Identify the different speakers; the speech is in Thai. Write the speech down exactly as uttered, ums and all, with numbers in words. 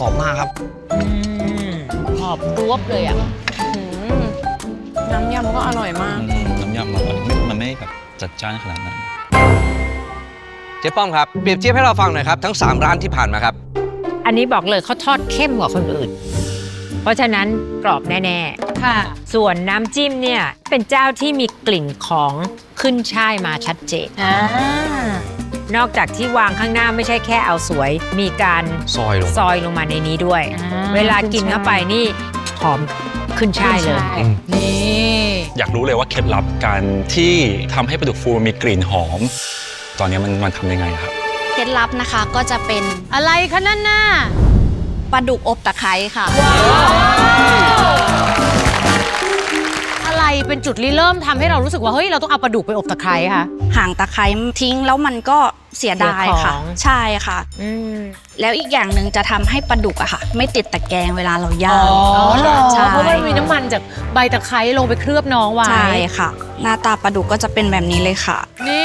Speaker 1: กรอบมากครับ
Speaker 2: หอบรวบเลยอ่ะ
Speaker 3: น้ำยำก็อร่อยมาก
Speaker 4: น้ำยำมันมันไม่แบบจัดจ้านขนาดนั้น
Speaker 1: เจ๊ป้อมครับเปรียบเทียบให้เราฟังหน่อยครับทั้งสามร้านที่ผ่านมาครับ
Speaker 2: อันนี้บอกเลยเขาทอดเข้มกว่าคนอื่นเพราะฉะนั้นกรอบแน่ๆค่ะส่วนน้ำจิ้มเนี่ยเป็นเจ้าที่มีกลิ่นของขึ้นช่ายมาชัดเจนนอกจากที่วางข้างหน้าไม่ใช่แค่เอาสวยมีการ
Speaker 1: ซอยลง
Speaker 2: ซอยลงมาในนี้ด้วยเวลากินเข้าไปนี่หอมขึ้นช่ายเลย
Speaker 4: นี่อยากรู้เลยว่าเคล็ดลับการที่ทำให้ปลาดุกฟูมีกลิ่นหอมตอนนี้มันมันทำยังไงครับ
Speaker 5: เคล็ดลับนะคะก็จะเป็น
Speaker 2: อะไรคะนั่นน่ะ
Speaker 5: ปลาดุกอบตะไคร้ค่ะ
Speaker 2: อะไรเป็นจุดริเริ่มทำให้เรารู้สึกว่าเฮ้ยเราต้องเอาปลาดุกไปอบตะไคร้ค่ะ
Speaker 5: ห่างตะไคร้ทิ้งแล้วมันก็เสียดายค่ะใช่ค่ะแล้วอีกอย่างหนึ่งจะทำให้ปลาดุกอะค่ะไม่ติดตะแกรงเวลาเราย่าง
Speaker 2: ใช่เพราะว่ามีน้ำมันจากใบตะไคร้ลงไปเคลือบน้องไว้
Speaker 5: ใช่ค่ะหน้าตาปลาดุกก็จะเป็นแบบนี้เลยค่ะ
Speaker 2: นี่